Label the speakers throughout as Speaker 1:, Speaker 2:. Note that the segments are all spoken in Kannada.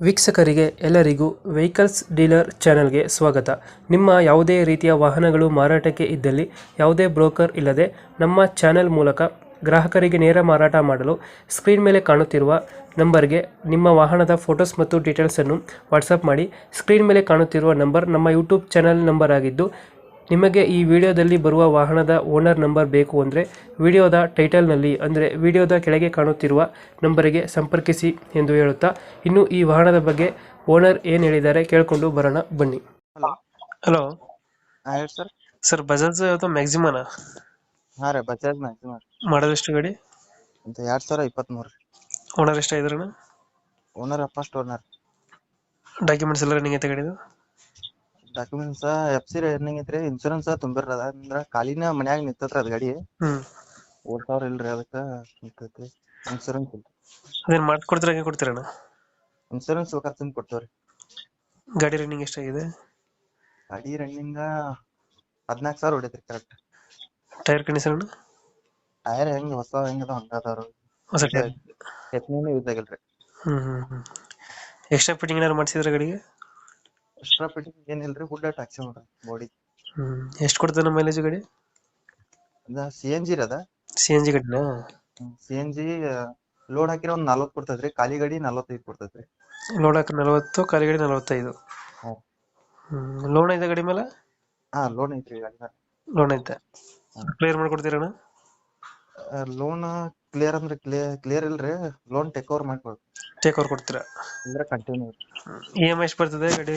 Speaker 1: ವೀಕ್ಷಕರಿಗೆ ಎಲ್ಲರಿಗೂ ವೆಹಿಕಲ್ಸ್ ಡೀಲರ್ ಚಾನೆಲ್ಗೆ ಸ್ವಾಗತ. ನಿಮ್ಮ ಯಾವುದೇ ರೀತಿಯ ವಾಹನಗಳು ಮಾರಾಟಕ್ಕೆ ಇದ್ದಲ್ಲಿ ಯಾವುದೇ ಬ್ರೋಕರ್ ಇಲ್ಲದೆ ನಮ್ಮ ಚಾನೆಲ್ ಮೂಲಕ ಗ್ರಾಹಕರಿಗೆ ನೇರ ಮಾರಾಟ ಮಾಡಲು ಸ್ಕ್ರೀನ್ ಮೇಲೆ ಕಾಣುತ್ತಿರುವ ನಂಬರ್ಗೆ ನಿಮ್ಮ ವಾಹನದ ಫೋಟೋಸ್ ಮತ್ತು ಡೀಟೇಲ್ಸನ್ನು ವಾಟ್ಸಪ್ ಮಾಡಿ. ಸ್ಕ್ರೀನ್ ಮೇಲೆ ಕಾಣುತ್ತಿರುವ ನಂಬರ್ ನಮ್ಮ ಯೂಟ್ಯೂಬ್ ಚಾನೆಲ್ ನಂಬರ್ ಆಗಿದ್ದು, ನಿಮಗೆ ಈ ವಿಡಿಯೋದಲ್ಲಿ ಬರುವ ವಾಹನದ ಓನರ್ ನಂಬರ್ ಬೇಕು ಅಂದರೆ ವಿಡಿಯೋದ ಟೈಟಲ್ನಲ್ಲಿ ಅಂದರೆ ವಿಡಿಯೋದ ಕೆಳಗೆ ಕಾಣುತ್ತಿರುವ ನಂಬರಿಗೆ ಸಂಪರ್ಕಿಸಿ ಎಂದು ಹೇಳುತ್ತಾ, ಇನ್ನು ಈ ವಾಹನದ ಬಗ್ಗೆ ಓನರ್ ಏನು ಹೇಳಿದ್ದಾರೆ ಕೇಳಿಕೊಂಡು ಬರೋಣ ಬನ್ನಿ.
Speaker 2: ಹಲೋ.
Speaker 1: ಹಲೋ
Speaker 2: ಹೇಳಿ ಸರ್.
Speaker 1: ಸರ್, ಬಜಾಜ್ ಯಾವುದು ಮ್ಯಾಕ್ಸಿಮನ
Speaker 2: ಹಾ ರೀ, ಬಜಾಜ್ ಮ್ಯಾಕ್ಸಿಮಮ್
Speaker 1: ಮಾಡೋದೆಷ್ಟು ಗಾಡಿ?
Speaker 2: ಅಂತ 2023 ರೀ.
Speaker 1: ಓನರ್ ಎಷ್ಟಾಗಿದ್ರಣ?
Speaker 2: Owner first owner.
Speaker 1: ಡಾಕ್ಯುಮೆಂಟ್ಸ್ ಎಲ್ಲ ರನ್ನಿಂಗ್ ಐತೆ ಗಾಡಿದು?
Speaker 2: ಡಾಕ್ಯುಮೆಂಟ್ಸ್ FC ರನ್ನಿಂಗ್ ಐತ್ರಿ. ಇನ್ಶೂರೆನ್ಸ್ ತುಂಬಿರದ ಅಂದ್ರ ಖಾಲಿನ ಮನ್ಯಾಗ ನಿಂತತ್ರ ಅದ್ ಗಾಡಿ ಓಡ್ತಾವ್ರ ಇಲ್ರಿ, ಅದಕ್ಕ ನಿಂತೈತಿ. ಇನ್ಶೂರೆನ್ಸ್ ಇಲ್ಲ.
Speaker 1: ಅದೇನು ಮಾಡ್ಕೊಡ್ತೀರ, ಹಂಗೆ ಕೊಡ್ತೀರಣ್ಣ?
Speaker 2: ಇನ್ಶೂರೆನ್ಸ್ ಬೇಕಾದ್ರೆ ತುಂಬ ಕೊಡ್ತೇವ್ರಿ.
Speaker 1: ಗಾಡಿ ರನ್ನಿಂಗ್ ಎಷ್ಟಾಗಿದೆ?
Speaker 2: ಗಾಡಿ ರನ್ನಿಂಗ್ 14,000 ಹೊಡೈತ್ರಿ ಕರೆಕ್ಟ್.
Speaker 1: Tyre condition?
Speaker 2: ಟೈರ್ ಹೆಂಗ್ ಹೊಸ ಹೆಂಗದ ಹಂಗ ಅದಾವ್ರಿ.
Speaker 1: ಹೊಸ ಟೈರ್?
Speaker 2: ಎತ್ನೇನು ಯೂಸ್ ಆಗಿಲ್ರಿ.
Speaker 1: ಎಕ್ಸ್ಟ್ರಾ ಫಿಟ್ಟಿಂಗ್ ಏನಾದ್ರು ಮಾಡಿಸಿದ್ರೆ ಗಾಡಿಗೆ?
Speaker 2: ಎಕ್ಸ್ಟ್ರಾ ಫಿಟ್ಟಿಂಗ್ ಏನಿಲ್ರಿ, ಹುಡ್ ಟ್ಯಾಕ್ಸಿ ನೋಡ್ರಿ ಬಾಡಿ.
Speaker 1: ಎಷ್ಟು ಕೊಡ್ತದೆ ನಮ್ಮ ಮೈಲೇಜ್ ಗಾಡಿ?
Speaker 2: ಅದ CNG ರೀ. ಅದ
Speaker 1: CNG ಗಾಡಿನಾ?
Speaker 2: CNG ಲೋಡ್ ಹಾಕಿರ ಒಂದ್ 40 ಕೊಡ್ತೈತ್ರಿ, ಖಾಲಿ ಗಾಡಿ 45 ಕೊಡ್ತೈತ್ರಿ.
Speaker 1: ಲೋಡ್ ಹಾಕಿ 40, ಖಾಲಿ ಗಾಡಿ 45. ಲೋನ್ ಐತೆ ಗಾಡಿ ಮೇಲೆ?
Speaker 2: ಹಾ, ಲೋನ್ ಐತ್ರಿ ಗಾಡಿ.
Speaker 1: ಲೋನ್ ಐತೆ, ಕ್ಲಿಯರ್ ಮಾಡ್ಕೊಡ್ತೀರಣ್ಣ?
Speaker 2: ಲೋನ್ ಕ್ಲಿಯರ್ ಅಂದ್ರೆ ಕ್ಲಿಯರ್ ಇಲ್ರಿ, ಲೋನ್ ಟೇಕ್ ಓವರ್ ಮಾಡ್ಕೊಡ್ರಿ.
Speaker 1: ಟೇಕ್ ಓವರ್ ಕೊಡ್ತೀರಾ?
Speaker 2: ಅಂದ್ರೆ ಕಂಟಿನ್ಯೂ.
Speaker 1: EMI ಎಷ್ಟು ಬರ್ತದೆ ಗಾಡಿ?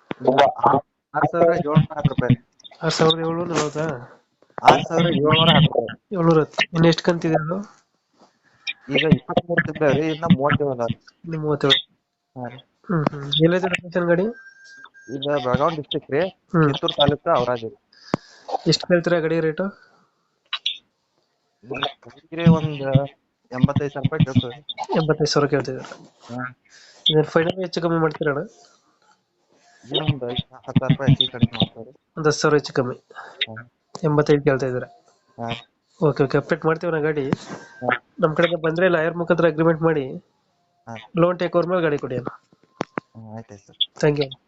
Speaker 2: 6,710 ರೂಪಾಯಿ.
Speaker 1: 6,740?
Speaker 2: 6,710.
Speaker 1: 710. ಇನ್ನು ಎಷ್ಟು ಕಂತಿದೆ ಅದು?
Speaker 2: ಈಗ 23 ತಿಂಗಳರಿ, ಇನ್ನ 37 ಅದಾವ್ರಿ.
Speaker 1: ಇನ್ನು 37.
Speaker 2: ಹಾ ರೀ.
Speaker 1: ಎಲ್ಲೈತೆ ಲೊಕೇಶನ್ ಗಾಡಿ?
Speaker 2: ಈಗ ಬೆಳಗಾವಿ ಡಿಸ್ಟ್ರಿಕ್ಟ್ ರೀ, ಕಿತ್ತೂರು ತಾಲೂಕು ಔರಾಜ್.
Speaker 1: ಎಷ್ಟು ಕೇಳ್ತೀರಾ ಗಾಡಿ ರೇಟು?
Speaker 2: ಒಂದ್ 85,000 ರೂಪಾಯಿ ಕೇಳ್ತೀವಿ.
Speaker 1: 85,000 ಕೇಳ್ತಿದ್ದಾರೆ. ಇದನ್ನ ಫೈನಲ್ ಹೆಚ್ಚು ಕಮ್ಮಿ ಮಾಡ್ತೀರಣ್ಣ?
Speaker 2: ಒಂದ್ 10,000 ರೂಪಾಯಿ ಹೆಚ್ಚಿಗೆ ಕಡಿಮೆ ಮಾಡ್ತಾರೆ.
Speaker 1: ಒಂದು 10,000 ಹೆಚ್ಚು ಕಮ್ಮಿ. 85 ಕೇಳ್ತಾ ಇದ್ದಾರೆ. ಓಕೆ ಓಕೆ, ಅಪ್ಡೇಟ್ ಮಾಡ್ತೀವಿ ನಾ ಗಾಡಿ. ನಮ್ಮ ಕಡೆಗೆ ಬಂದ್ರೆ ಲಾಯರ್ ಮುಖಾಂತರ ಅಗ್ರಿಮೆಂಟ್ ಮಾಡಿ ಲೋನ್ ಟೇಕ್ ಓವರ್ ಮೇಲೆ ಗಾಡಿ ಕೊಡಿ ಅಣ್ಣ.
Speaker 2: ಆಯ್ತಾಯ್ತು ಸರ್.
Speaker 1: Thank you.